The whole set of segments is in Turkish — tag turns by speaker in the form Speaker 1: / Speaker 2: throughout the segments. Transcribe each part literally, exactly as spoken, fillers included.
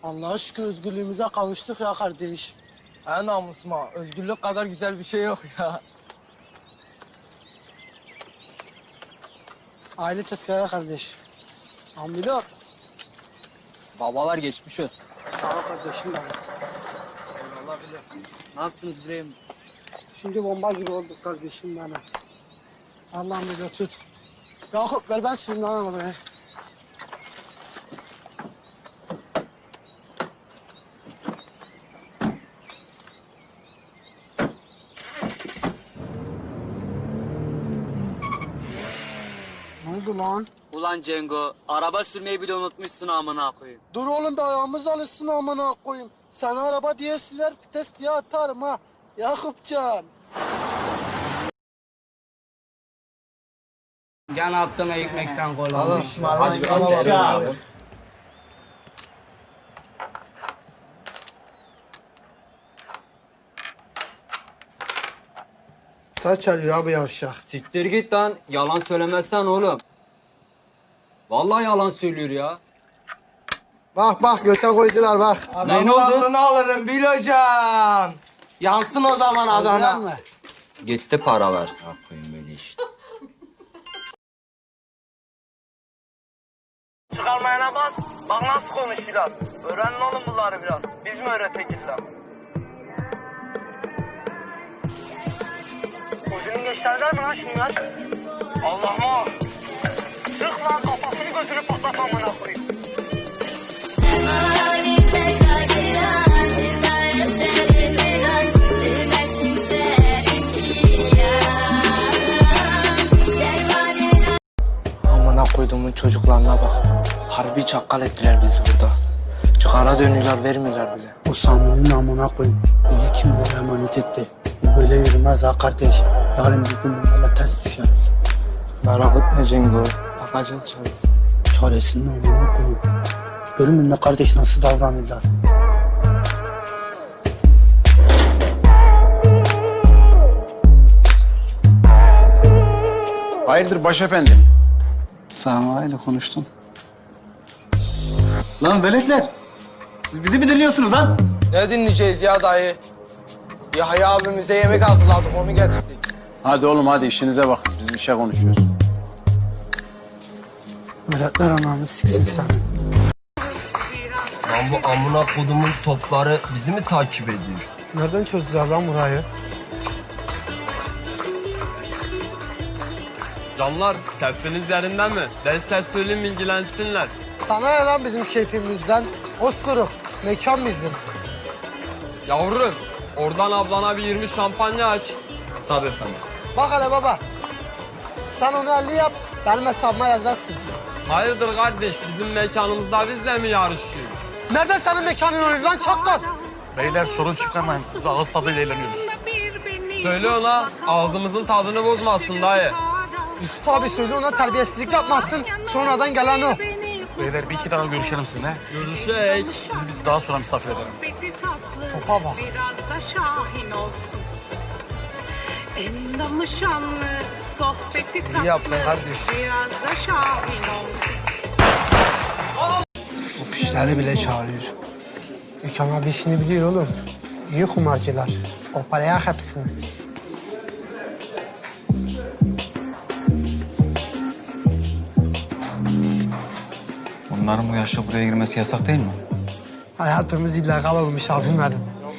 Speaker 1: Allah'a şükür özgürlüğümüze kavuştuk ya kardeş.
Speaker 2: En namusuma. Özgürlük kadar güzel bir şey yok ya.
Speaker 1: Aile tezkere kardeş. Ambilo.
Speaker 3: Babalar geçmiş olsun.
Speaker 1: Sağ ol kardeşim benim.
Speaker 3: Allah bilir. Nasılsınız İbrahim?
Speaker 1: Şimdi bomba gibi olduk kardeşim benim. Allah'ım bize tut. Yakup ver ben sürüm lan arabayı. Ne oldu lan?
Speaker 3: Ulan Cengo, araba sürmeyi bile unutmuşsun amına koyayım.
Speaker 1: Dur oğlum da ayağımız alışsın amına koyayım. Sana araba diye sürer vites diye atarım ha. Yakupcan.
Speaker 4: Can attın ekmekten kola.
Speaker 2: Alışma
Speaker 1: Kaç çalıyor abi yavşak?
Speaker 3: Siktir git lan, yalan söylemezsen oğlum. Vallahi yalan söylüyor ya.
Speaker 1: Bak bak göte koydular bak.
Speaker 2: Adamın aklını alırım Bilocan. Yansın o zaman Adana.
Speaker 1: Mı?
Speaker 3: Gitti paralar. Ya koyayım böyle işte.
Speaker 2: Çıkarmayana bas. Bak nasıl konuşuyorlar. Öğrenin oğlum bunları biraz. Biz mi öğretekirler? Uzunun geçerler mi lan şunlar? Allah'ım. Sık lan kafasını gözünü patlat amına koyayım.
Speaker 1: Amına koyduğumun çocuklarına bak. Harbi çakkal ettiler bizi burada. Çıkara dönüyorlar vermiyorlar bile. O Sami'nin amına koyayım. Bizi kimlere emanet etti. Bu böyle yürümez ha kardeş. Yarın bir gün bunlarla ters düşeriz.
Speaker 2: Merak etme Cengo. Bakacağız çaresi.
Speaker 1: Çaresini amına koyayım. Görün mü ne kardeş nasıl davranırlar.
Speaker 5: Hayırdır başefendi?
Speaker 1: Sami ile konuştum.
Speaker 5: Lan veletler! Siz bizi mi dinliyorsunuz lan?
Speaker 2: Ne dinleyeceğiz ya dayı? Yahya abimize yemek hazırladık onu getirdik.
Speaker 5: Hadi oğlum hadi işinize bakın. Biz bir şey konuşuyoruz.
Speaker 1: Milletler ananı siksin senin.
Speaker 6: Lan bu amına kodumun topları bizi mi takip ediyor?
Speaker 1: Nereden çözdüler lan burayı?
Speaker 7: Canlar, keyfiniz yerinden mi? Ben size söyleyeyim ilgilensinler.
Speaker 1: Sana ne lan bizim keyfimizden? Osturuk. Mekan bizim.
Speaker 7: Yavrum, oradan ablana bir yirmi şampanya aç.
Speaker 6: Tabii efendim.
Speaker 1: Bak hele baba. Sen onu elli yap. Benim hesabıma yazarsın.
Speaker 7: Hayırdır kardeş, bizim mekanımızda bizle mi yarışıyor?
Speaker 1: Nereden senin mekanın oluyor lan çakal?
Speaker 5: Beyler sorun çıkarmayın. Biz ağız tadıyla eğleniyoruz.
Speaker 7: Söyle ona, ağzımızın tadını bozmasın dayı.
Speaker 1: Yusuf abi söyle ona terbiyesizlik yapmasın. Sonradan gelen o.
Speaker 5: Beyler bir iki dakika görüşelim sizinle.
Speaker 7: Görüşek.
Speaker 5: Sizi biz daha sonra misafir edelim.
Speaker 1: Topa bak.
Speaker 8: Biraz da şahin olsun. Endamı şanlı, sohbeti tatlı.
Speaker 2: yaptın kardeş.
Speaker 8: Biraz da şahin olsun.
Speaker 1: Bu pişleri bile çağırıyor. Gökhan abi işini biliyor oğlum. İyi kumarcılar. O paraya hepsini.
Speaker 9: Bunların bu yaşta buraya girmesi yasak değil mi?
Speaker 1: Hayatımız illegal olmuş abim benim.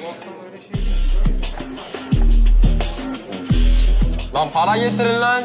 Speaker 7: Lan para getirin lan.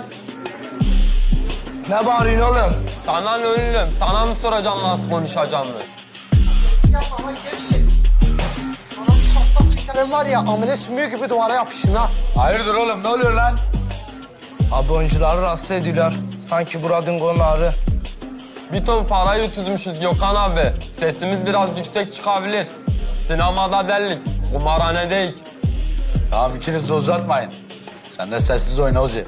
Speaker 2: Ne bağırıyorsun oğlum?
Speaker 7: Sana ne oğlum, sana mı soracağım nasıl konuşacağımı?
Speaker 1: Yapma gevşek. Sana bir şaplak çekerim var ya amele sümüğü gibi duvara yapışın ha.
Speaker 5: Hayırdır oğlum ne oluyor lan?
Speaker 2: Abi oyuncuları rahatsız ediyorlar. Sanki buradın konağı.
Speaker 7: Bir ton parayı utuzmuşuz Gökhan abi. Sesimiz biraz yüksek çıkabilir. Sinemada delik, kumarhane değil.
Speaker 5: Tamam ikiniz de uzatmayın. Sen de sessiz oyna Ozi.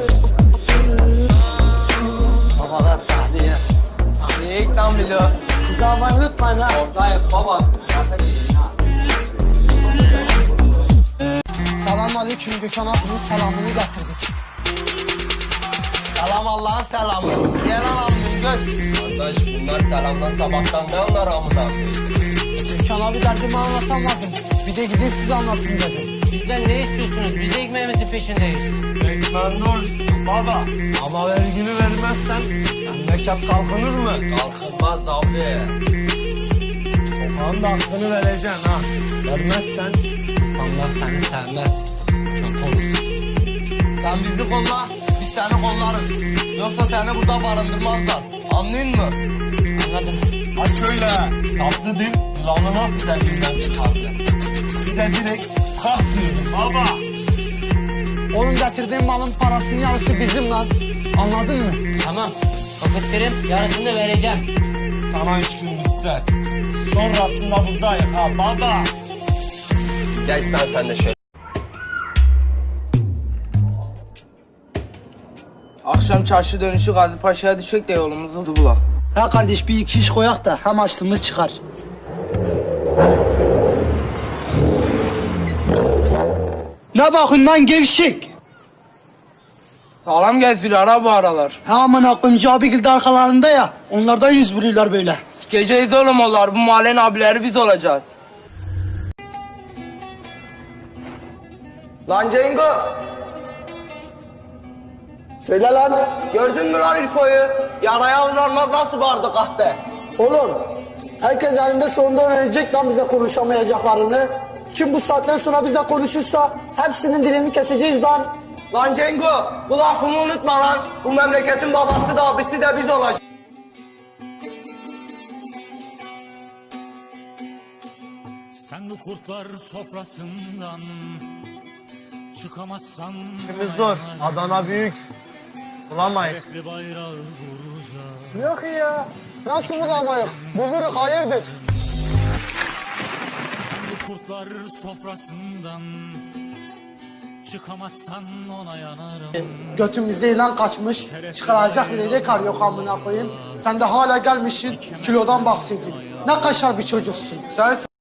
Speaker 2: Babalar tahliye. Tahliye ilk lan biliyor.
Speaker 1: Bizi almayı unutmayın ha.
Speaker 3: Oradayız baba.
Speaker 1: Selamun aleyküm Gökhan abinin selamını getirdik.
Speaker 6: Selam Allah'ın selamı. Diğer anamın göz.
Speaker 7: Kardeş bunlar selamdan sabahtan ne anlar amına koyayım?
Speaker 1: Gökhan abi derdimi anlatamadım. Bir de gidin size anlatın dedim.
Speaker 10: Bizden ne istiyorsunuz? Biz de ekmeğimizin peşindeyiz.
Speaker 6: Ekmen doğrusun baba. Ama vergini vermezsen memleket kalkınır mı?
Speaker 7: Kalkınmaz abi.
Speaker 6: Sokağın da hakkını vereceksin ha. Vermezsen insanlar seni sevmez. Kötü olursun. Sen bizi kolla, biz seni kollarız. Yoksa seni burada barındırmazlar. Anlayın mı?
Speaker 10: Anladım.
Speaker 6: Ha şöyle, tatlı dil yılanı nasıl deliğinden çıkardı? Bir de direkt kalk diyorum baba.
Speaker 1: Onun getirdiğin malın parasının yarısı bizim lan. Anladın mı?
Speaker 10: Tamam. Paketlerin yarısını vereceğim.
Speaker 6: Sana üç gün bitti. Sonrasında buradayım ha baba.
Speaker 7: Geç sen sen de şöyle.
Speaker 4: Akşam çarşı dönüşü Gazi Paşa'ya düşecek de yolumuzu bulak.
Speaker 1: Ha kardeş bir iki iş koyak da hem açlığımız çıkar. Ne bakın lan gevşek.
Speaker 4: Sağlam geziyor ha bu aralar.
Speaker 1: Ha amına koyayım abi arkalarında ya. Onlardan yüz buluyorlar böyle.
Speaker 4: Geceyiz oğlum onlar. Bu mahallenin abileri biz olacağız. Lan Cengo.
Speaker 1: Söyle lan.
Speaker 4: Gördün mü lan İlko'yu? Yaraya alınanlar nasıl vardı kahpe?
Speaker 1: Oğlum herkes elinde sonunda öğrenecek lan bize konuşamayacaklarını. Kim bu saatten sonra bize konuşursa hepsinin dilini keseceğiz lan.
Speaker 4: Lan Cengo, bu lafımı unutma lan. Bu memleketin babası da abisi de biz olacağız.
Speaker 11: Sen bu kurtlar sofrasından çıkamazsan
Speaker 6: İşimiz zor. Adana büyük. Bulamayız.
Speaker 11: bir bayrağı vuracağım.
Speaker 1: Yok ya. Nasıl bulamayız? Buluruz hayırdır?
Speaker 11: Sen bu kurtlar sofrasından çıkamazsan ona yanarım.
Speaker 1: Götümüzde ilan kaçmış. Çıkaracak leylek kar yok amına koyayım. Sen de hala gelmişsin kilodan bahsediyorsun. Ne kaşar bir çocuksun.
Speaker 6: Sen